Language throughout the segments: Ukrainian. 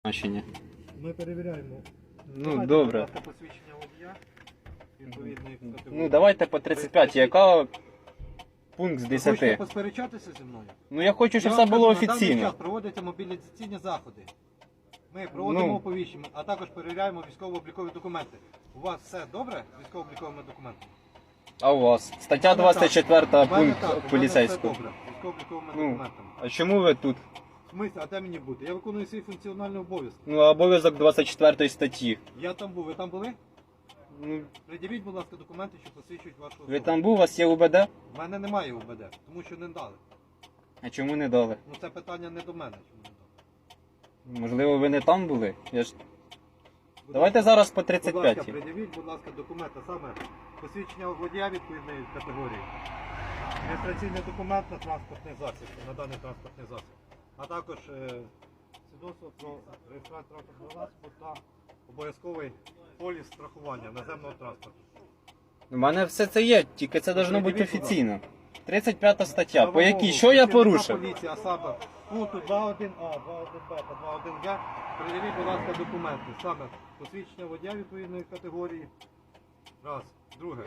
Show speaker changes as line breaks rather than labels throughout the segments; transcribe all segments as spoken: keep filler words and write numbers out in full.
значення.
Ми перевіряємо.
Ну,
Давайте,
добре.
будь ласка, посвідчення водія відповідної категорії.
Ну, давайте по тридцять п'ять. Яка пункт з
Ви хочете
десяти?
посперечатися зі мною?
Ну, я хочу, щоб
Я
все
вам
було
кажу, на даний
офіційно.
час проводяться мобілізаційні заходи. Ми проводимо
Ну.
оповіщення, а також перевіряємо військово-облікові документи. У вас все добре з військово-обліковими документами?
А у вас? Стаття двадцять четверту,
У мене
пункт
так, у мене
поліцейського.
все добре з військово-обліковими
Ну,
документами.
а чому ви тут?
В смислі, а де мені бути? Я виконую свій функціональний обов'язок.
Ну, обов'язок двадцять четвертої статті.
Я там був, ви там були?
Ну,
Придивіть, будь ласка, документи, що посвідчують вашу особу.
ви там був, у вас є УБД?
У мене немає УБД, тому що не дали.
А чому не дали?
Ну це питання не до мене, чому не дали.
Можливо, ви не там були? Я ж...
Будь
Давайте
ласка,
зараз по
Будь
тридцять
ласка,
п'ять.
придивіть, будь ласка, документи, саме посвідчення водія відповідної категорії, реєстраційний документ на транспортний засіб, на даний транспортний засіб, а також е, свідоцтво про реєстрацію транспортного засобу та обов'язковий поліс страхування наземного транспорту.
У мене все це є, тільки це должно бути
Придивіть, будь ласка.
офіційно. тридцять п'ята стаття,
На
по якій,
вимогу
що я
працівника
порушив?
Поліції, а саме пункту два один А, два один Б та два один Г, придивіть, будь ласка, документи, саме посвідчення водія відповідної категорії. Раз. Друге.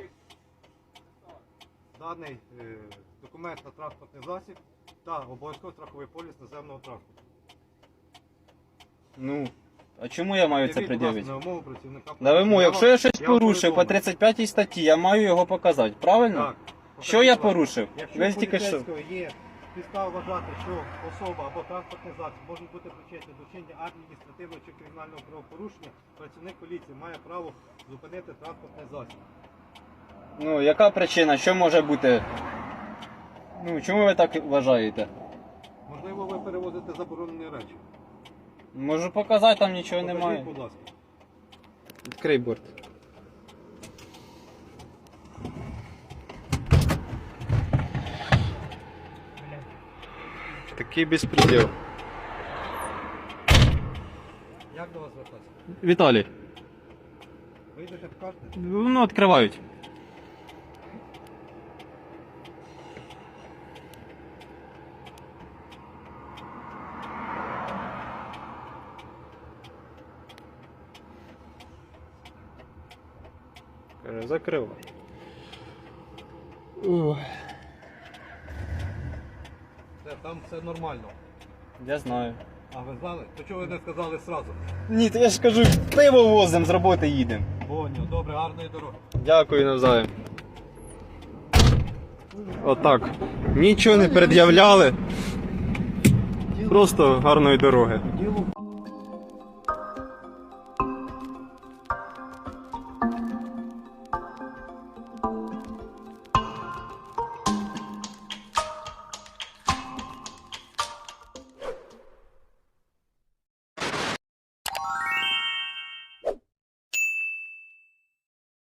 Даний е, документ на транспортний засіб та обов'язковий страховий поліс наземного транспорту.
Ну, а чому я маю це
Придивіть, будь ласка,
пред'явити?
на вимогу працівника
На
поліції.
вимогу,
Я
якщо
вам-
я щось
я вам
порушив по
повідомив.
тридцять п'ятій статті, я маю його показати, правильно?
Так.
Що
Покажіть,
я
будь ласка.
порушив?
Якщо
Ви
у
тільки що.
поліцейського є підстава вважати, що особа або транспортний засіб можуть бути причетні до вчинення адміністративного чи кримінального правопорушення, працівник поліції має право зупинити транспортний засіб.
Ну, яка причина? Що може бути? Ну, чому ви так вважаєте?
Можливо, ви перевозите заборонені речі.
Можу показати, там нічого
Покажіть,
немає.
будь ласка.
Відкрий борт. Такий безпреділ.
Як до вас звертатися?
Віталій,
Вийдете, покажете?
ну відкривають. Каже, закривай.
Все, там все нормально.
Я знаю.
А ви знали? То чого ви не сказали одразу?
Ні, то я ж кажу, пиво возимо, з роботи їдемо.
Поняв, добре, гарної дороги.
Дякую навзаєм. Отак. Нічого не пред'являли. Просто гарної дороги.
Діло